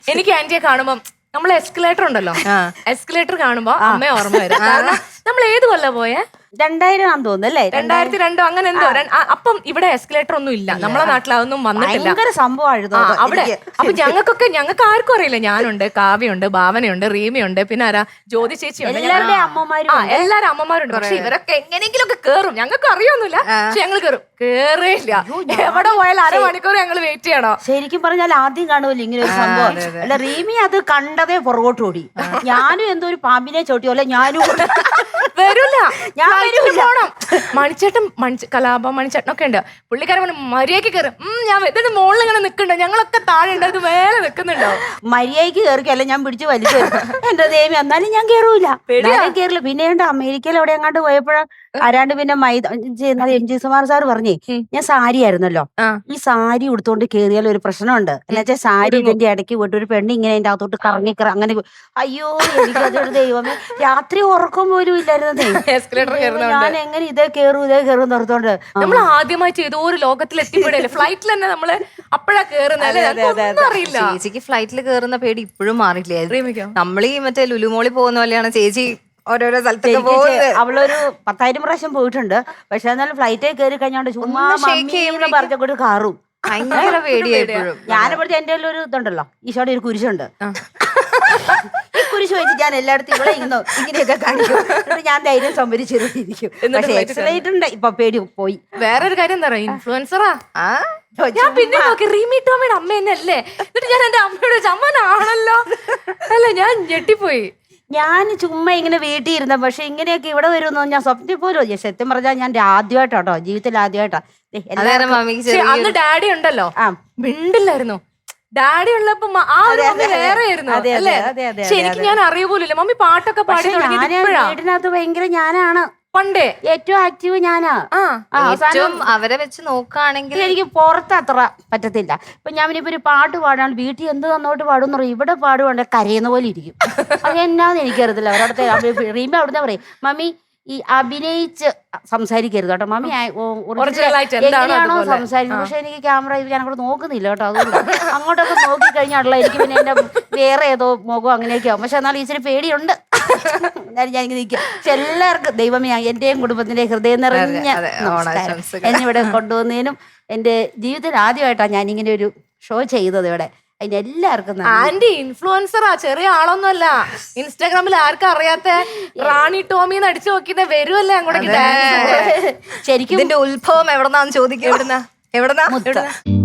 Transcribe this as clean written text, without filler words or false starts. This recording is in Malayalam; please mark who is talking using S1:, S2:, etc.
S1: എനിക്ക് ആന്റിയെ കാണുമ്പോ നമ്മളെ എസ്കലേറ്റർ ഉണ്ടല്ലോ, എസ്കലേറ്റർ കാണുമ്പോ അമ്മയെ ഓർമ്മ വരും. കാരണം നമ്മൾ ഏത് കൊല്ല പോയേ?
S2: 2000 ആണെന്ന് തോന്നുന്നു അല്ലേ?
S1: 2002 അങ്ങനെ എന്തോ. അപ്പം ഇവിടെ എസ്കലേറ്റർ ഒന്നും ഇല്ല, നമ്മളെ നാട്ടിൽ അതൊന്നും വന്നിട്ടില്ല.
S2: ഭയങ്കര സംഭവമായിരുന്നു
S1: അവിടെ. അപ്പൊ ഞങ്ങൾക്ക് ആർക്കും അറിയില്ല. ഞാനുണ്ട്, കാവ്യുണ്ട്, ഭാവനയുണ്ട്, റീമയുണ്ട്, പിന്നെ ആരാ, ജ്യോതി ചേച്ചിയുണ്ട്,
S2: എല്ലാവരുടെയും അമ്മമാരും
S1: എല്ലാരും അമ്മമാരുണ്ട്. പക്ഷെ ഇവരൊക്കെ എങ്ങനെയെങ്കിലും ഒക്കെ കേറും. ഞങ്ങൾക്ക് അറിയൊന്നുമില്ല, പക്ഷെ ഞങ്ങൾ കേറും. കേറിയില്ല, എവിടെ പോയാലും അരമണിക്കൂർ ഞങ്ങൾ വെയിറ്റ് ചെയ്യണോ.
S2: ശരിക്കും പറഞ്ഞാൽ ആദ്യം കാണുമല്ലോ ഇങ്ങനെ ഒരു സംഭവം. അല്ല, റീമി അത് കണ്ടതേ പുറകോട്ട് ഓടി. ഞാനും എന്തോ ഒരു പാമ്പിനെ ചോട്ടിയോലെ ഞാനും
S1: വരൂല. ഞാൻ പോണം. മണിച്ചേട്ടൻ കലാപം മണിച്ചേട്ടനൊക്കെ ഉണ്ട്. പുള്ളിക്കാരൻ പറഞ്ഞു മര്യാദക്ക് കയറും. ഞാൻ ഇതിന്റെ മുകളിൽ ഇങ്ങനെ നിൽക്കണ്ടോ, ഞങ്ങളൊക്കെ താഴെ ഉണ്ട്, ഇത് മേലെ നിൽക്കുന്നുണ്ടോ.
S2: മര്യാദക്ക് കയറിക്കല്ല, ഞാൻ പിടിച്ച് വലിച്ചു. എന്റെ ദേവി എന്നാലും ഞാൻ കേറൂല, കേറില്ല. പിന്നെ അമേരിക്കയിൽ എവിടെ എങ്ങാണ്ട് പോയപ്പോഴാ ആരാണ്ട് പിന്നെ MG സുമാർ സാർ പറഞ്ഞേ, ഞാൻ സാരി ആയിരുന്നല്ലോ, ഈ സാരി ഉടുത്തോണ്ട് കേറിയാൽ ഒരു പ്രശ്നമുണ്ട്. എന്നുവെച്ചാൽ സാരി ഇതിന്റെ ഇടയ്ക്ക് പോയിട്ട് ഒരു പെണ്ണ് ഇങ്ങനെ അതിന്റെ അകത്തോട്ട് കറങ്ങി അങ്ങനെ. അയ്യോ, എനിക്കതൊരു ദൈവമേ, രാത്രി ഉറക്കം പോലും ഇല്ലായിരുന്നതേ. ഞാൻ എങ്ങനെ ഇതേ കയറും നിർത്തോണ്ട്.
S1: നമ്മൾ ആദ്യമായിട്ട് ഏതോ ഒരു ലോകത്തിൽ എത്തിപ്പെടല്ലേ, ഫ്ലൈറ്റിൽ തന്നെ നമ്മള് അപ്പഴാ കേറുന്നത്. അറിയില്ല.
S3: ചേച്ചിക്ക് ഫ്ലൈറ്റിൽ കേറുന്ന പേടി ഇപ്പോഴും മാറിയില്ലേ? നമ്മളീ മറ്റേ ലുലുമോളി പോകുന്ന പോലെയാണ് ചേച്ചി ഓരോരോ സ്ഥലത്തൊക്കെ പോകുന്നത്.
S2: അവളൊരു 10,000 പ്രാവശ്യം പോയിട്ടുണ്ട്. പക്ഷെ എന്നാലും ഫ്ലൈറ്റിൽ കയറി കഴിഞ്ഞോണ്ട് ചുമ്മാ പറഞ്ഞോട്ട് കാറും.
S3: ഭയങ്കര പേടിയായിപ്പോഴും.
S2: ഞാനിപ്പോഴത്തെ എന്റെ ഒരു ഇതുണ്ടല്ലോ, ഈശോയുടെ ഒരു കുരിശുണ്ട്. ഈ കുരിശ് വെച്ച് ഞാൻ എല്ലായിടത്തും ഇവിടെ ഇങ്ങനെയൊക്കെ കാണിക്കും. ഞാൻ ധൈര്യം സംഭരിച്ചിരിക്കും. പക്ഷെ എക്സലൈറ്റുണ്ട്, ഇപ്പൊ പേടി പോയി.
S1: വേറൊരു കാര്യം എന്താ പറയാ, ഇൻഫ്ലുവൻസറാ. ഞാൻ പിന്നെ നോക്കി റീമി ടോമിയുടെ അമ്മ തന്നെയല്ലേ. എന്നിട്ട് ഞാൻ എന്റെ അമ്മയോട് അമ്മനാണല്ലോ. അല്ല, ഞാൻ ഞെട്ടിപ്പോയി.
S2: ഞാൻ ചുമ്മാ ഇങ്ങനെ വീട്ടിൽ ഇരുന്ന, പക്ഷെ ഇങ്ങനെയൊക്കെ ഇവിടെ വരുമെന്നോ ഞാൻ സ്വപ്നത്തിൽ പോലും. സത്യം പറഞ്ഞാൽ ഞാൻ ആദ്യമായിട്ടോ, ജീവിതത്തിൽ ആദ്യമായിട്ടാ.
S1: അന്ന് ഡാഡി ഉണ്ടല്ലോ, മിണ്ടില്ലായിരുന്നു. ഡാഡി ഉള്ളപ്പോ ആ ഒരു മമ്മി വേറെ ആയിരുന്നു അല്ലേ. ശരിക്കും ഞാൻ അറിയ പോലില്ല. മമ്മി പാട്ടൊക്കെ പാടി
S2: വീടിനകത്ത് ഭയങ്കര ഞാനാണ്
S1: പണ്ടേ
S2: ഏറ്റവും ആക്റ്റീവ് ഞാനാ.
S3: അവരെ വെച്ച് നോക്കുകയാണെങ്കിൽ
S2: എനിക്ക് പുറത്ത് അത്ര പറ്റത്തില്ല. ഇപ്പൊ ഞാൻ ഇപ്പൊ ഒരു പാട്ട് പാടാൻ വീട്ടിൽ എന്ത് തന്നോട്ട് പാടുന്ന പറയും, ഇവിടെ പാടുവാണ്ട് കരയുന്ന പോലെ ഇരിക്കും. അത് എന്നാന്ന് എനിക്കറിയത്തില്ല. അവരവിടുത്തെ റീമ അവിടുന്ന് പറയും, മമ്മി ഈ അഭിനയിച്ച് സംസാരിക്കരുത് കേട്ടോ മമ്മി, എങ്ങനെയാണോ സംസാരിക്കുന്നത്. പക്ഷെ എനിക്ക് ക്യാമറ ഞാൻ അങ്ങോട്ട് നോക്കുന്നില്ല കേട്ടോ. അതുകൊണ്ട് അങ്ങോട്ടൊക്കെ നോക്കി കഴിഞ്ഞാൽ എനിക്ക് പിന്നെ എന്റെ വേറെ ഏതോ മുഖം അങ്ങനെയൊക്കെ ആവും. പക്ഷെ എന്നാലും ഇച്ചിരി പേടിയുണ്ട്. എന്നാലും ഞാൻ ഇങ്ങനെ നിൽക്കും. പക്ഷെ എല്ലാവർക്കും ദൈവമേ, എന്റെയും കുടുംബത്തിന്റെ ഹൃദയം നിറഞ്ഞ എന്നിവിടെ കൊണ്ടുവന്നതിനും എന്റെ ജീവിതത്തിൽ ആദ്യമായിട്ടാണ് ഞാൻ ഇങ്ങനെ ഒരു ഷോ ചെയ്തത് ഇവിടെ. അതിന് എല്ലാവർക്കും
S1: ആന്റി ഇൻഫ്ലുവൻസറാ, ചെറിയ ആളൊന്നുമല്ല. ഇൻസ്റ്റാഗ്രാമിൽ ആർക്കും അറിയാത്ത റാണി ടോമിന്ന് അടിച്ചു നോക്കിട്ട് വരുമല്ലേ അങ്ങോട്ടേക്ക്.
S3: ശരിക്കും ഇതിന്റെ ഉത്ഭവം എവിടെന്നാന്ന് ചോദിക്കും. എവിടെന്നാ